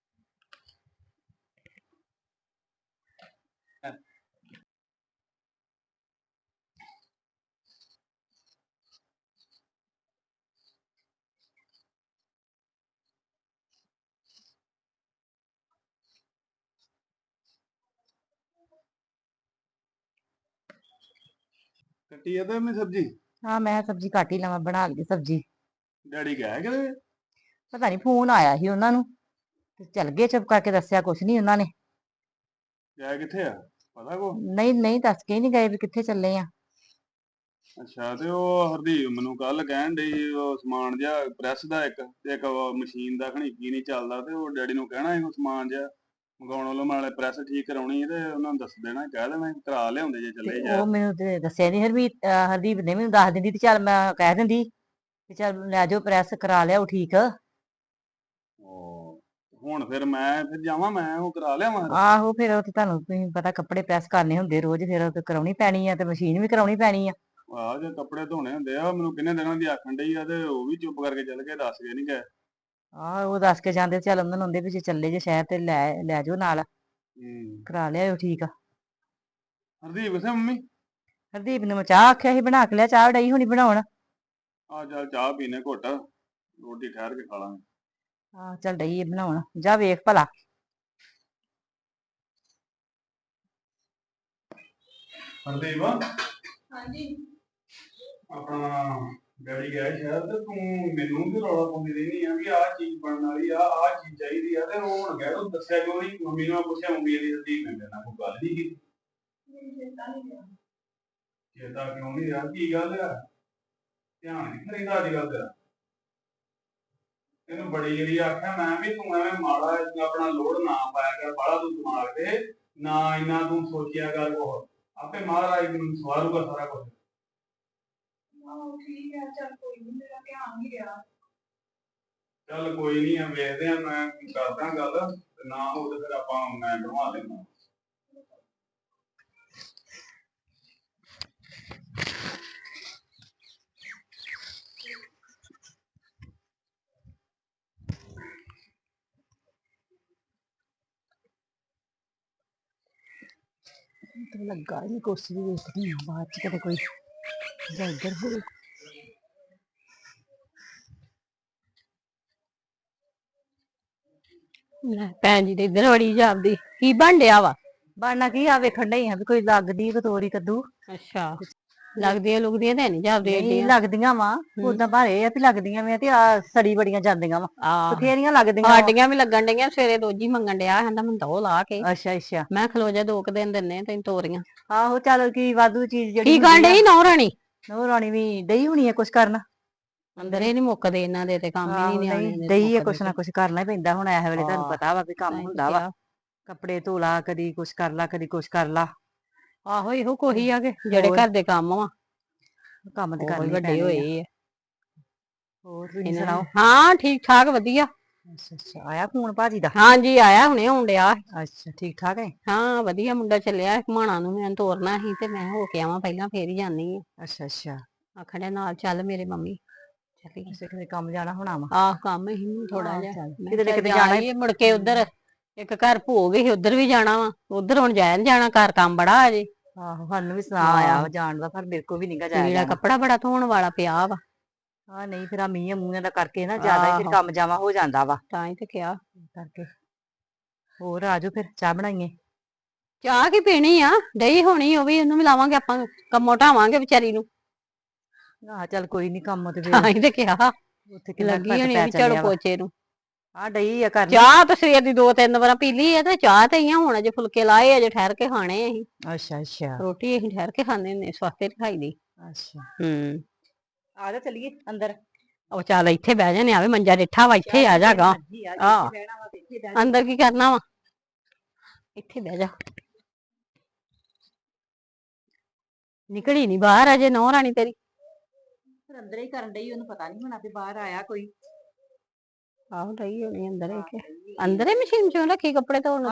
[SPEAKER 3] ਕੱਟੀ ਆ ਤੇ ਮੈਂ ਸਬਜ਼ੀ।
[SPEAKER 1] ਹਾਂ ਮੈਂ ਕਿਹਾ ਸਬਜ਼ੀ ਕੱਟ ਹੀ ਲਵਾਂ, ਬਣਾ ਲਈ ਸਬਜ਼ੀ।
[SPEAKER 3] ਡੈਡੀ ਗਿਆ ਕਿਤੇ?
[SPEAKER 1] ਪਤਾ ਨਹੀਂ ਫੋਨ ਆਇਆ ਸੀ ਉਹਨਾਂ ਨੂੰ, ਤੇ ਚੱਲ ਗਏ, ਚੁੱਪ ਕਰਕੇ ਦੱਸਿਆ ਕੁਛ ਨਹੀਂ ਉਹਨਾਂ ਨੇ।
[SPEAKER 3] ਗਿਆ ਕਿੱਥੇ ਆ, ਪਤਾ ਕੋ?
[SPEAKER 1] ਨਹੀਂ ਨਹੀਂ, ਦੱਸ ਕੇ ਨਹੀਂ ਗਏ ਵੀ ਕਿੱਥੇ ਚੱਲੇ ਆ।
[SPEAKER 3] ਅੱਛਾ, ਤੇ ਉਹ ਹਰਦੀਪ ਮੈਨੂੰ ਕੱਲ ਕਹਿਣ ਡਈ ਉਹ ਸਮਾਨ ਜਿਹਾ ਪ੍ਰੈਸ ਦਾ ਇੱਕ ਤੇ ਇੱਕ ਮਸ਼ੀਨ ਦਾ ਖਣੀ ਕੀ ਨਹੀਂ ਚੱਲਦਾ, ਤੇ ਉਹ ਡੈਡੀ ਨੂੰ ਕਹਿਣਾ ਸੀ ਉਹ ਸਮਾਨ ਜਿਹਾ ਮੰਗਾਉਣ ਵੱਲੋਂ, ਨਾਲੇ ਪ੍ਰੈਸ ਠੀਕ ਕਰਾਉਣੀ ਤੇ ਉਹਨਾਂ ਨੂੰ ਦੱਸ ਦੇਣਾ, ਕਹਿ ਦੇਣਾ ਕਰਾ ਲਿਆਉਂਦੇ ਜੇ
[SPEAKER 1] ਤੇ
[SPEAKER 3] ਚੱਲੇ ਜਾ।
[SPEAKER 1] ਉਹ ਮੈਨੂੰ ਤੇ ਦੱਸਿਆ ਨਹੀਂ, ਹਰਦੀਪ ਨੇ ਮੈਨੂੰ ਦੱਸ ਦਿੰਦੀ ਤੇ ਚੱਲ ਮੈਂ ਕਹਿ ਦਿੰਦੀ ਤੇ ਚੱਲ ਲੈ ਜਾਓ, ਪ੍ਰੈਸ ਕਰਾ ਲਿਆਓ ਠੀਕ।
[SPEAKER 3] ਉਹ ਹੁਣ ਫਿਰ ਮੈਂ ਫਿਰ ਜਾਵਾਂ, ਮੈਂ ਉਹ ਕਰਾ ਲਿਆਵਾਂ।
[SPEAKER 1] ਆਹੋ ਫਿਰ ਉਹ ਤੇ ਤੁਹਾਨੂੰ ਤੁਸੀਂ ਪਤਾ ਕੱਪੜੇ ਪ੍ਰੈਸ ਕਰਨੇ ਹੁੰਦੇ ਰੋਜ਼, ਫਿਰ ਉਹ ਤੇ ਕਰਾਉਣੀ ਪੈਣੀ ਆ, ਤੇ ਮਸ਼ੀਨ ਵੀ ਕਰਾਉਣੀ ਪੈਣੀ ਆ।
[SPEAKER 3] ਆਹ ਜੇ ਕੱਪੜੇ ਧੋਣੇ ਹੁੰਦੇ ਆ, ਮੈਨੂੰ ਕਿੰਨੇ ਦਿਨਾਂ ਦੀ ਆਖਣ ਡਈ ਆ, ਤੇ ਉਹ ਵੀ ਚੁੱਪ ਕਰਕੇ ਚੱਲ ਗਏ, ਦੱਸ ਕੇ ਨਹੀਂ ਗਏ।
[SPEAKER 1] ਆਹ ਉਹ ਦੱਸ ਕੇ ਜਾਂਦੇ, ਚੱਲ ਉਹਨਾਂ ਨੂੰ ਹੁੰਦੇ ਵੀ ਜੇ ਚੱਲੇ ਜੇ ਸ਼ਹਿਰ ਤੇ ਲੈ ਜਾਓ ਨਾਲ, ਕਰਾ ਲਿਆਓ ਠੀਕ ਆ।
[SPEAKER 3] ਹਰਦੀਪ ਕਿੱਥੇ ਮੰਮੀ?
[SPEAKER 1] ਹਰਦੀਪ ਨੂੰ ਮੈਂ ਚਾਹ ਆਖਿਆ ਸੀ ਬਣਾ ਕੇ ਲਿਆ, ਚਾਹ ਡਈ ਹੋਣੀ ਬਣਾਉਣ।
[SPEAKER 3] ਆ ਚੱਲ ਚਾਹ ਪੀਨੇ ਘੁੱਟ, ਰੋਟੀ ਠਹਿਰ ਕੇ ਖਾ ਲਾਂਗੇ।
[SPEAKER 1] ਆਹ ਚੱਲ ਡਈ ਆ ਬਣਾਉਣ, ਜਾ ਵੇਖ ਭਲਾ।
[SPEAKER 3] ਹਰਦੀਪ
[SPEAKER 2] ਹਾਂਜੀ।
[SPEAKER 3] ਆਪਣਾ ਡੈਡੀ ਗਿਆ ਸ਼ਹਿਰ, ਤੇ ਤੂੰ ਮੈਨੂੰ ਵੀ ਰੌਲਾ ਪਾਉਂਦੀ ਰਹਿੰਦੀ ਆ ਵੀ ਆਹ ਚੀਜ਼ ਬਣਨ ਵਾਲੀ ਆ, ਆਹ ਚੀਜ਼ ਚਾਹੀਦੀ ਆ, ਤੇ ਉਹ ਹੁਣ ਗਿਆ ਤੂੰ ਦੱਸਿਆ ਕਿਉਂ ਨਹੀਂ? ਮੰਮੀ ਨੂੰ ਮੈਂ ਪੁੱਛਿਆ, ਮੰਮੀ ਦੀ ਹਰਦੀਪ ਨੇ ਮੇਰੇ ਨਾਲ ਕੋਈ ਗੱਲ ਨਹੀਂ ਕੀਤੀ। ਚੇਤਾ ਕਿਉਂ ਨਹੀਂ ਰਿਹਾ, ਕੀ ਗੱਲ ਆ? ਧਿਆਨ ਨਹੀਂ ਕਰੀਦਾ ਅੱਜ ਕੱਲ ਤੇਰਾ? ਇਹਨੂੰ ਬੜੀ ਜਿਹੜੀ ਆਖਿਆ ਮੈਂ ਵੀ, ਤੂੰ ਐਵੇਂ ਮਾੜਾ ਆਪਣਾ ਲੋਡ ਨਾ ਪਾਇਆ ਕਰ ਬਾਹਲਾ ਤੂੰ ਦਿਮਾਗ ਤੇ, ਨਾ ਇੰਨਾ ਤੂੰ ਸੋਚਿਆ ਕਰ ਕੁਛ, ਆਪੇ ਮਹਾਰਾਜ ਨੂੰ ਸਵਾਰੂਗਾ ਸਾਰਾ ਕੁਝ।
[SPEAKER 2] ਠੀਕ ਹੈ, ਚੱਲ ਕੋਈ ਨਹੀਂ, ਮੇਰਾ ਧਿਆਨ ਨਹੀਂ ਰਿਹਾ।
[SPEAKER 3] ਚੱਲ ਕੋਈ ਨਹੀਂ ਆ, ਵੇਖਦੇ ਆ, ਮੈਂ ਕਰਦਾ ਗੱਲ, ਤੇ ਨਾ ਹੋ ਤੇ ਫਿਰ ਆਪਾਂ ਮੈਂ ਬਣਵਾ ਲੈਂਦਾ।
[SPEAKER 1] ਲੱਗਾ ਨਹੀਂ ਕੁਛ ਵੀ, ਵੇਖਦੀ ਆ ਬਾਅਦ ਚ ਕਦੇ ਕੋਈ ਜਾਂ ਇੱਧਰ ਹੋਵੇ।
[SPEAKER 4] ਭੈਣ ਜੀ ਤੇ ਇੱਧਰ ਬੜੀ ਜਾਪਦੀ, ਕੀ ਬਣ ਡਿਆ ਵਾ?
[SPEAKER 1] ਬਣਨਾ ਕੀ ਆ, ਵੇਖਣ ਡਈ ਆ ਵੀ ਕੋਈ ਲੱਗਦੀ ਕਤੋਰੀ ਕੱਦੂ।
[SPEAKER 4] ਅੱਛਾ, ਲੱਗਦੀਆਂ ਲੁਗਦੀਆਂ ਤੇ ਨਹੀਂ ਜਾਂਦੀਆਂ
[SPEAKER 5] ਨਹੀਂ
[SPEAKER 4] ਏਡੀਆਂ
[SPEAKER 5] ਲੱਗਦੀਆਂ ਵਾ ਉਦਾਂ ਭਾਰੇ ਆ ਵੀ ਲੱਗਦੀਆਂ ਵੇ ਤੇ ਆ ਸੜੀ ਬੜੀਆਂ ਜਾਂਦੀਆਂ ਵਾ
[SPEAKER 4] ਆ
[SPEAKER 5] ਬਥੇਰੀਆਂ ਲੱਗਦੀਆਂ ਵਾ।
[SPEAKER 4] ਸਾਡੀਆਂ ਵੀ ਲੱਗਣ ਡਈਆਂ ਸਵੇਰੇ ਦੋਜੀ ਮੰਗਣ ਡਿਆ ਕਹਿੰਦਾ ਮੈਨੂੰ ਦੋ ਲਾ ਕੇ
[SPEAKER 5] ਅੱਛਾ ਅੱਛਾ
[SPEAKER 4] ਮੈਂ ਖਲੋ ਜਾ 2 ਦਿਨ ਦਿੰਨੇ ਤੈਨੂੰ ਤੋਰੀਆਂ
[SPEAKER 5] ਆਹੋ ਚੱਲ ਕੀ ਵਾਧੂ ਚੀਜ਼ ਜਿਹੜੀ
[SPEAKER 4] ਕੀ ਕਰਨ ਡਈ ਨੌ ਰਾਣੀ
[SPEAKER 5] ਉਹ ਰਾਣੀ ਵੀ ਡਈ ਹੋਣੀ ਆ ਕੁਛ ਕਰਨ
[SPEAKER 4] ਅੰਦਰੇ ਨਹੀਂ ਮੁੱਕਦੇ ਇਹਨਾਂ ਦੇ ਤੇ ਕੰਮ ਹੀ
[SPEAKER 5] ਆਹੋ
[SPEAKER 4] ਨਹੀਂ
[SPEAKER 5] ਨਹੀਂ
[SPEAKER 4] ਨਿਆਣੇ
[SPEAKER 5] ਡਈ ਆ ਕੁਛ ਨਾ ਕੁਛ ਕਰਨਾ ਹੀ ਪੈਂਦਾ ਹੁਣ ਇਹ ਵੇਲੇ ਤੁਹਾਨੂੰ
[SPEAKER 4] ਹਾਂ।
[SPEAKER 5] ਪਤਾ ਵਾ ਵੀ ਕੰਮ ਹੁੰਦਾ ਵਾ ਕੱਪੜੇ ਧੋ ਲਾ ਕਦੀ ਕੁਛ ਕਰ ਲਾ ਕਦੀ ਕੁਛ ਕਰ ਲਾ
[SPEAKER 4] ਆਹੋ ਇਹੋ ਕੋਈ ਆ ਕੇ ਜਿਹੜੇ
[SPEAKER 5] ਹੋਰ।
[SPEAKER 4] ਘਰ ਦੇ ਕੰਮ ਵਾ
[SPEAKER 5] ਕੰਮ ਤੇ
[SPEAKER 4] ਉਹ
[SPEAKER 5] ਕਰਨੇ
[SPEAKER 4] ਹੀ ਵੱਡੇ
[SPEAKER 5] ਪੈਣੇ ਆ।
[SPEAKER 4] ਹੋਏ ਆ
[SPEAKER 5] ਹੋਰ ਤੁਸੀਂ
[SPEAKER 4] ਇਹਨਾਂ
[SPEAKER 5] ਸੁਣਾਓ
[SPEAKER 4] ਨੂੰ। ਹਾਂ ਠੀਕ ਠਾਕ ਵਧੀਆ
[SPEAKER 5] ਅੱਛਾ ਅੱਛਾ ਆਇਆ ਫੋਨ ਭਾਜੀ ਦਾ
[SPEAKER 4] ਹਾਂਜੀ ਆਇਆ ਹੁਣੇ ਆਉਣ ਡਿਆ
[SPEAKER 5] ਅੱਛਾ ਠੀਕ ਠਾਕ ਹੈ
[SPEAKER 4] ਹਾਂ ਵਧੀਆ ਮੁੰਡਾ ਚੱਲਿਆ ਘੁਮਾਣਾ ਨੂੰ ਮੈਂ ਤੋਰਨਾ ਸੀ ਤੇ ਮੈਂ ਹੋ ਕੇ ਆਵਾਂ ਪਹਿਲਾਂ ਫੇਰ ਹੀ ਜਾਨੀ ਆ
[SPEAKER 5] ਅੱਛਾ ਅੱਛਾ
[SPEAKER 4] ਆਖਣ ਡਿਆ ਨਾਲ ਚੱਲ ਮੇਰੇ ਮੰਮੀ ਚੱਲੀ
[SPEAKER 5] ਅੱਛਾ ਕਿਤੇ ਕੰਮ ਜਾਣਾ ਹੋਣਾ ਵਾ
[SPEAKER 4] ਆਹ ਕੰਮ ਹੀ ਥੋੜਾ
[SPEAKER 5] ਆਹ
[SPEAKER 4] ਜਿਹਾ
[SPEAKER 5] ਚੱਲ।
[SPEAKER 4] ਮੈਂ
[SPEAKER 5] ਕਿਤੇ ਨਾ
[SPEAKER 4] ਕਿਹਾ
[SPEAKER 5] ਕਿਤੇ
[SPEAKER 4] ਜਾ
[SPEAKER 5] ਜਾਣਾ
[SPEAKER 4] ਆਈਏ, ਮੁੜ ਕੇ ਉਧਰ ਇੱਕ ਘਰ ਭੋਗ ਸੀ ਉਧਰ ਵੀ ਜਾਣਾ ਵਾ ਉਧਰ ਹੁਣ ਜਾਇਆ ਨੀ ਜਾਣਾ ਘਰ ਕੰਮ ਬੜਾ ਅਜੇ
[SPEAKER 5] ਆਹੋ ਸਾਨੂੰ ਵੀ ਸੁਣਾ ਆਇਆ ਵਾ ਜਾਣ ਦਾ ਪਰ ਮੇਰੇ ਕੋ ਵੀ ਨਹੀਂਗਾ ਜਾਇਆ
[SPEAKER 4] ਜਿਹੜਾ
[SPEAKER 5] ਜਾਣਾ
[SPEAKER 4] ਕੱਪੜਾ ਬੜਾ ਧੋਣ ਵਾਲਾ ਪਿਆ ਵਾ
[SPEAKER 5] ਹਾਂ ਨਹੀਂ ਫਿਰ ਆ ਮੀਂਹ ਮੂੰਹਾਂ ਦਾ ਕਰਕੇ ਨਾ ਜ਼ਿਆਦਾ ਹੀ ਫਿਰ
[SPEAKER 4] ਆਹੋ।
[SPEAKER 5] ਕੰਮ ਜਾਵਾ ਹੋ ਜਾਂਦਾ ਵਾ
[SPEAKER 4] ਤਾਂ ਹੀ ਤੇ ਕਿਹਾ
[SPEAKER 5] ਕਰਕੇ ਹੋਰ ਆਜੋ ਫਿਰ ਚਾਹ ਬਣਾਈਏ
[SPEAKER 4] ਚਾਹ ਕੀ ਪੀਣੀ ਆ ਡਈ ਹੋਣੀ ਉਹ ਵੀ ਉਹਨੂੰ ਵੀ ਲਾਵਾਂਗੇ ਆਪਾਂ ਕੰਮੋਂ ਢਾਵਾਂਗੇ ਵਿਚਾਰੀ ਨੂੰ
[SPEAKER 5] ਆਹ ਚੱਲ ਕੋਈ ਨੀ ਕੰਮ ਤੇ
[SPEAKER 4] ਤਾਂ
[SPEAKER 5] ਫਿਰ
[SPEAKER 4] ਹੀ ਤੇ ਕਿਹਾ
[SPEAKER 5] ਉੱਥੇ ਕਿੰਨਾ
[SPEAKER 4] ਲੱਗੀ
[SPEAKER 5] ਘੱਟ
[SPEAKER 4] ਹੋਣੀ
[SPEAKER 5] ਪੈ
[SPEAKER 4] ਵੀ ਝਾੜੂ
[SPEAKER 5] ਚੱਲਿਆ ਵਾ
[SPEAKER 4] ਪੋਚੇ ਨੂੰ
[SPEAKER 5] ਆ ਡਈ ਆ ਕਰਨ
[SPEAKER 4] ਚਾਹ ਤਾਂ ਸਵੇਰ ਦੀ 2-3 ਵਾਰਾਂ ਪੀ ਲਈ ਆ ਤੇ ਚਾਹ ਤੇ ਹੀ ਆ ਹੁਣ ਅਜੇ ਫੁਲਕੇ ਲਾਏ ਅਜੇ ਠਹਿਰ ਕੇ ਖਾਣੇ ਅਸੀਂ
[SPEAKER 5] ਅੱਛਾ ਅੱਛਾ
[SPEAKER 4] ਰੋਟੀ ਅਸੀਂ ਠਹਿਰ ਕੇ ਖਾਂਦੇ ਹੁੰਦੇ ਸਵਾਤੇ ਨੀ ਖਾਈ ਦੀ
[SPEAKER 5] ਅੱਛਾ
[SPEAKER 4] ਹੂੰ
[SPEAKER 5] ਆ ਜਾ ਚੱਲੀਏ ਅੰਦਰ
[SPEAKER 4] ਉਹ ਚੱਲ ਇੱਥੇ ਬਹਿ ਜਾਨੇ ਆਵੇ ਮੰਜਾ ਡਿੱਠਾ ਵਾ ਇੱਥੇ ਆ ਜਾਗਾ ਆਹ। ਅੰਦਰ ਕੀ ਕਰਨਾ ਵਾ ਇੱਥੇ ਬਹਿ ਜਾ ਨਿਕਲੀ ਨੀ ਬਾਹਰ ਅਜੇ ਨੌ ਰਾਣੀ ਤੇਰੀ
[SPEAKER 5] ਅੰਦਰ ਹੀ ਕਰਨ ਡਈ ਉਹਨੂੰ ਪਤਾ ਨਹੀਂ ਹੋਣਾ ਵੀ ਬਾਹਰ ਆਇਆ ਕੋਈ
[SPEAKER 4] ਆਹੋ ਰਹੀ ਹੋਣੀ ਅੰਦਰ ਹੀ ਕਿ ਅੰਦਰ ਹੀ ਮਸ਼ੀਨ ਚੋਂ ਰੱਖੀ ਕੱਪੜੇ ਧੋਣ